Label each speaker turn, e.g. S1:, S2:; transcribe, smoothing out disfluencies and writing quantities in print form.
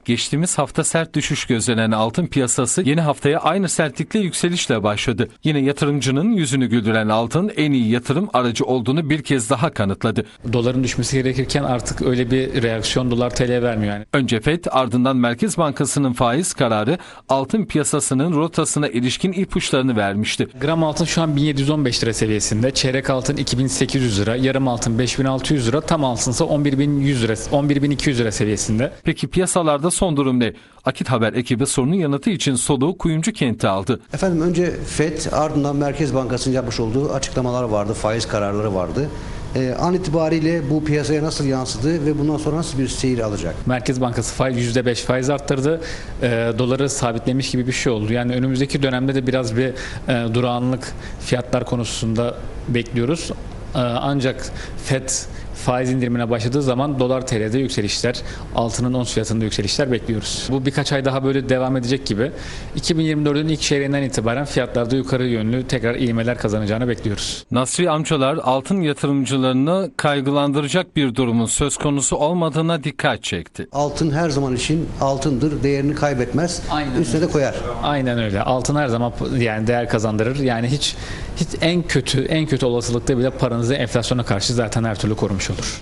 S1: Geçtiğimiz hafta sert düşüş gözlenen altın piyasası yeni haftaya aynı sertlikle yükselişle başladı. Yine yatırımcının yüzünü güldüren altın en iyi yatırım aracı olduğunu bir kez daha kanıtladı.
S2: Doların düşmesi gerekirken artık öyle bir reaksiyon dolar TL vermiyor yani.
S1: Önce FED, ardından Merkez Bankası'nın faiz kararı altın piyasasının rotasına ilişkin ipuçlarını vermişti.
S2: Gram altın şu an 1715 lira seviyesinde, çeyrek altın 2800 lira, yarım altın 5600 lira, tam altınsa 11100 lira, 11200 lira seviyesinde.
S1: Peki piyasalarda son durum ne? Akit Haber ekibi sorunun yanıtı için soluğu Kuyumcu kenti aldı.
S3: Efendim önce FED, ardından Merkez Bankası'nın yapmış olduğu açıklamalar vardı, faiz kararları vardı. An itibariyle bu piyasaya nasıl yansıdı ve bundan sonra nasıl bir seyir alacak?
S2: Merkez Bankası %5 faiz arttırdı. Doları sabitlemiş gibi bir şey oldu. Yani önümüzdeki dönemde de biraz bir durağanlık fiyatlar konusunda bekliyoruz. Ancak FED faiz indirimine başladığı zaman dolar TL'de yükselişler, altının ons fiyatında yükselişler bekliyoruz. Bu birkaç ay daha böyle devam edecek gibi. 2024'ün ilk çeyreğinden itibaren fiyatlarda yukarı yönlü tekrar ivmeler kazanacağını bekliyoruz.
S1: Nasri amcalar altın yatırımcılarını kaygılandıracak bir durumun söz konusu olmadığına dikkat çekti.
S3: Altın her zaman için altındır, değerini kaybetmez, üstüne de koyar.
S2: Aynen öyle. Altın her zaman yani değer kazandırır. Yani hiç en kötü olasılıkta bile paranızı enflasyona karşı zaten her türlü korumuş olur.